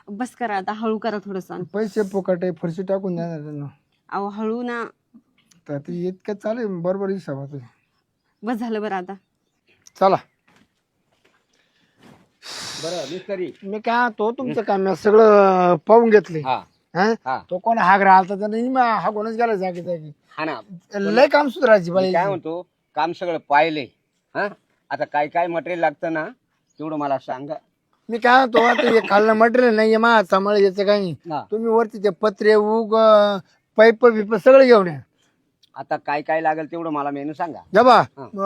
बस करा आता, हळू करा थोडस. पैसे फुकट आहे, फरशी टाकून देणार त्यांना. अहो हळू ना. तर ते इतकं चालेल बरोबर हिसाब. बस झालं बरं आता. चला बरं मिस्त्री मी काय तो तुमचं काम मी सगळं पाहून घेतले. हा हा. तो कोण हाग राहिला तर नाही हागूनच गेला जागी जागी. हा ना, लय काम सुधारायची मी बाई. काय म्हणतो, काम सगळं पाहिले. हा, आता काय काय मटेरियल लागतं ना तेवढं मला सांगा. मी काय म्हणतो आता हे खाल्लं मटेरियल नाही मा सांभाळ याचं काही नाही. हा. तुम्ही वरती ते पत्रे उग पाईप बिप सगळं घेऊन या. आता काय काय लागेल तेवढं मला मेनू सांगा. जबा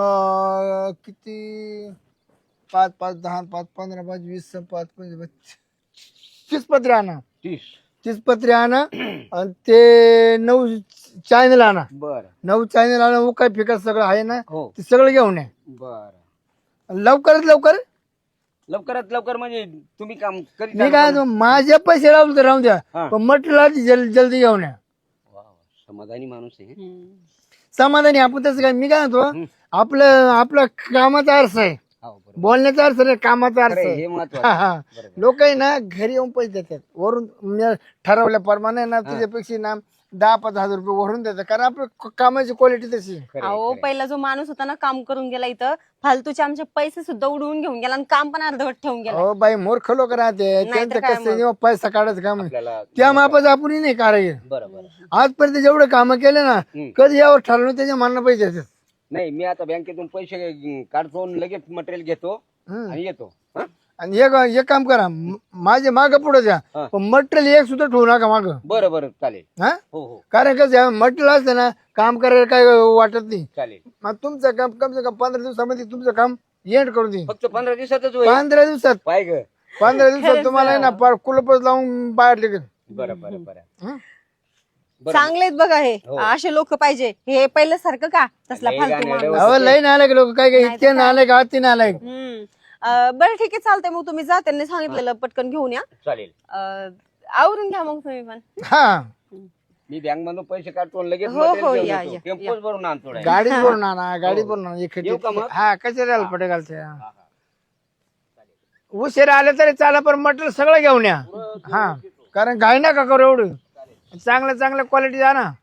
किती 5 5 10 5 15 5 20 5 25 30 पत्रे आणा. 30 पत्रे आणा आणि ते 9 चॅनल आणा. बर 9 चॅनल आणा. उकाय फिका सगळं आहे ना हो. ते सगळं घेऊन या. बर लवकरात लवकर. लवकरात लवकर म्हणजे तुम्ही काम करीत मी काय म्हणतो, माझे पैसे राहू तर राहून द्या, हा. पण मटेरियल जल्दी घेऊन या. समाधानी माणूस आहे. समाधानी आपण तसं काय. मी काय म्हणतो आपलं कामाचा अर्थ आहे, हो, बरोबर. बोलण्याचा अर्थ नाही, कामाचा अर्थ खरं आहे, आहे. हे महत्वाचं. लोक आहे ना घरी येऊन पैसे देतात वरून. मी ठरवल्याप्रमाणे ना तुझ्यापेक्षा ना 10-5 हजार रुपये वरून देतात, कारण आपल्या कामाची क्वालिटी तशी आहे. खरं आहे, अहो खरं आहे. पहिला जो माणूस होता ना काम करून गेला इथं, फालतूचे आमचे पैसे सुद्धा उडवून घेऊन गेला आणि काम पण अर्धवट ठेवून गेला. हो बाई मूर्ख लोक राहते, त्यांचं काय कसं जेव्हा पैसा काढायचं काम आहे. आपल्याला त्या मापाचं आपण नाही कारागीर. बरोबर. आजपर्यंत जेवढे कामं केले ना कधी यावर ठरवलं त्याच्या मनानं पैसे देतात. नाही, मी आता बँकेतून पैसे काढतो आणि लगेच मटेरियल घेतो आणि येतो. हा? आणि एक काम करा, माझे माग पुढे द्या, हा. पण मटेरियल एक सुद्धा ठेवू नका माग. बरं बरं, चालेल. हा, हो हो, कारण कसं मटेरियल असतं ना काम करायला काय वाटत नाही. चालेल. मग तुमचं काम कम से कम 15 दिवसामध्ये तुमचं काम एंड करून देईन. फक्त 15 दिवसातच होईल. 15 दिवसात पाय ग. 15 दिवसात तुम्हाला आहे ना पार कुलपच लावून बाहेर निघेल. बरं बरं बरं. हं? बरं. चांगलेत बघा हे, हो. असे लोक पाहिजे. हे पहिलं सारखं का तसला लय फालतू गाणं माणूस. अहो लय नालायक लोक काय काय इतके नालायक आती नालायक. बरं ठीक आहे चालतंय, मग तुम्ही जा, त्यांनी सांगितलेलं पटकन घेऊन या. चालेल. आवरून घ्या मग तुम्ही पण. हा मी बँक मधून पैसे काढतो आणि लगेच हो, हो, material घेऊन या, येतो. या, टेम्पोच भरून आणतो direct. गाडीत भरून आणा, गाडीत भरून आणा. येऊ का मग? हा कसे राहाल पटे घालते. उशीर आले तरी चाला, पण मटेरियल सगळं घेऊन या. हा, कारण घाई नका करू एवढं. चांगल्या चांगल्या क्वालिटी द्या ना.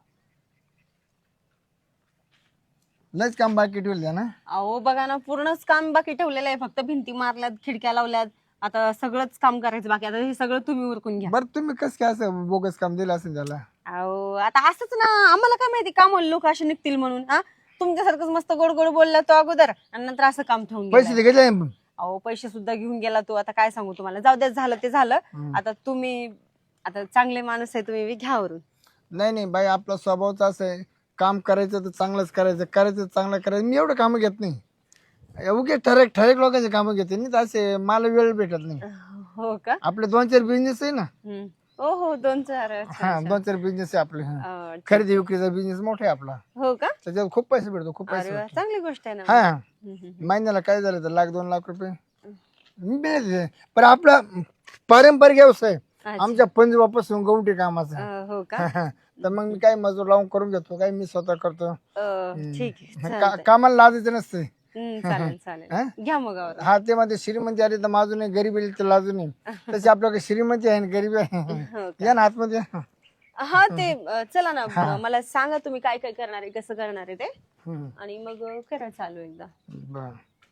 लयच काम बाकी ठेवलं द्या ना. अहो बघा ना, पूर्णच काम बाकी ठेवलेलं आहे. फक्त भिंती मारल्यात, खिडक्या लावल्यात, आता सगळंच काम करायचं बाकी. आता हे सगळं तुम्ही उरकून घ्या. बरं तुम्ही कसं काय असं बोगस काम दिलं असेल त्याला. अहो आता असंच ना, आम्हाला काय माहिती काम लोक असे निघतील म्हणून. हा, तुमच्यासारखंच मस्त गोड गोड बोलला तो अगोदर आणि नंतर असं काम ठेवून पैसे गेला. ते घेतले नाही. अहो पैसे सुद्धा घेऊन गेला तो. आता काय सांगू तुम्हाला, जाऊ द्या, झालं ते झालं. आता तुम्ही आता चांगले माणूस आहे तुम्ही, घ्या वरून. नाही नाही बाई, आपला स्वभावच असं आहे, काम करायचं तर चांगलंच करायचं, करायचं तर चांगलं करायचं. मी एवढं कामं घेत नाही, उगे ठरेक ठरेक लोकांचे कामं घेते नाही, तर असे मला वेळ भेटत नाही. हो का? आपले 2-4 बिझनेस आहे ना. हो हो, 2-4. हा 2-4 बिझनेस आहे आपले. खरेदी विक्रीचा बिझनेस मोठा आहे आपला, हो का? त्याच्यात खूप पैसे भेटतो, खूप पैसे अरे वा, भेटतो. चांगली गोष्ट आहे ना. हा महिन्याला काय झालं तर 1-2 लाख रुपये मी मिळते. पण आपला पारंपरिक व्यवसाय आमच्या पंजोबापासून गवटी कामाचा. हो का? तर मग मी काय मजूर लावून करून घेतो, काय मी स्वतः करतो. ठीक आहे, कामाला लाजायचं नसते. चालेल चालेल, घ्या मग आवरून. हा ते मध्ये श्रीमंती आली तर माझून नाही, गरीब आली तर लाजू नाही. तशी आपल्याकडे श्रीमंती आहे आणि गरीबी आहे. हो या ना आतमध्ये. हा ते चला ना, मला सांगा तुम्ही काय काय करणार आहे, कसं करणार आहे ते, आणि मग करा चालू एकदा. बर,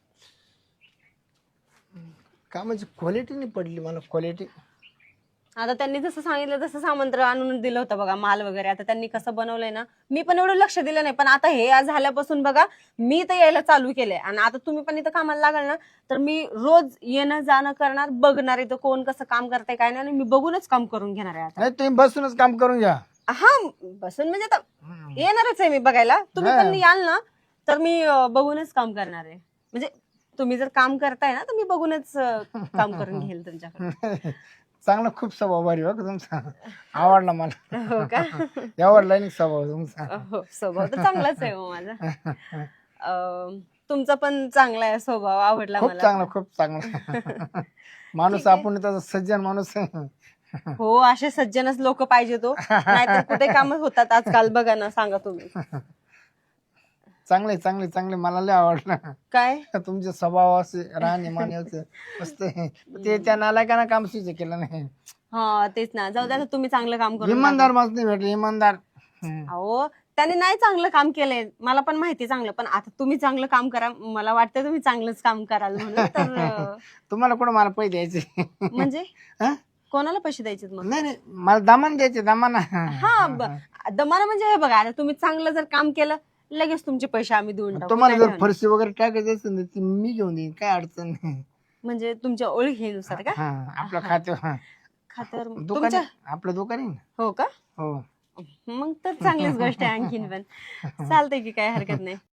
कामाची क्वालिटी नाही पडली मला, क्वालिटी. आता त्यांनी जसं सांगितलं तसं सामंत्र आणून दिलं होतं बघा, माल वगैरे. आता त्यांनी कसं बनवलंय ना, मी पण एवढं लक्ष दिलं नाही, पण आता हे आज झाल्यापासून बघा मी तर यायला चालू केलंय. आणि आता तुम्ही पण इथं कामाला लागाल ना, तर मी रोज येणं जाणं करणार, बघणार इथं कोण कसं काम करताय काय नाही, आणि मी बघूनच काम करून घेणार आहे आता. नाही तुम्ही बसूनच काम करून घ्या. हा बसून म्हणजे आता येणारच आहे मी बघायला. तुम्ही पण याल ना तर मी बघूनच काम करणार आहे. म्हणजे तुम्ही जर काम करताय ना तर मी बघूनच काम करून घेईल तुमच्याकडे. चांगला खूप स्वभाव भारी हो तुमचा, आवडला मला. हो का? आवडला नाही स्वभाव तुमचा. हो, स्वभाव तर चांगलाच आहे हो माझा. तुमचा पण चांगला आहे स्वभाव, आवडला खूप मला. चांगला, खूप चांगला माणूस आपण, त्याचा सज्जन माणूस आहे. हो, असे सज्जनच लोक पाहिजे तो, नाहीतर कुठे कामच होतात आजकाल बघा ना, सांगा तुम्ही. चांगले चांगले चांगले मला लय आवडलं काय तुमचे स्वभाव असे राहणे मान्याचं मस्त आहे. ते त्या नालायकांना काम सुच केलं नाही. हा तेच ना, जाऊ द्या आता, तुम्ही चांगलं काम करून इमानदार माणूस नाही भेटले इमानदार. दाखवा. अहो त्याने नाही चांगलं काम केलंय, मला पण माहिती चांगलं, पण आता तुम्ही चांगलं काम करा, मला वाटतं तुम्ही चांगलंच काम कराल म्हणून तर तुम्हाला कुठं मला पैसे द्यायचे म्हणजे हा? कोणाला पैसे द्यायचे मग? नाही नाही मला दमान द्यायचे दमान. हा दमाना म्हणजे हे बघा, आता तुम्ही चांगलं जर काम केलं लगेच तुमचे पैसे आम्ही देऊन टाकू. तुम्हाला काय जर ठेवणार? फरशी वगैरे टाकायची असेल ना ती मी घेऊन देईन काय अडचण नाही. म्हणजे तुमच्या ओळखीनुसार का? हा आपलं खाते खात्यावर दुकान तुमच्या आपलं दुकान आहे ना. हो का? हो मग तर चांगलीच गोष्ट आहे आणखीन पण. चालतंय की, काय हरकत नाही.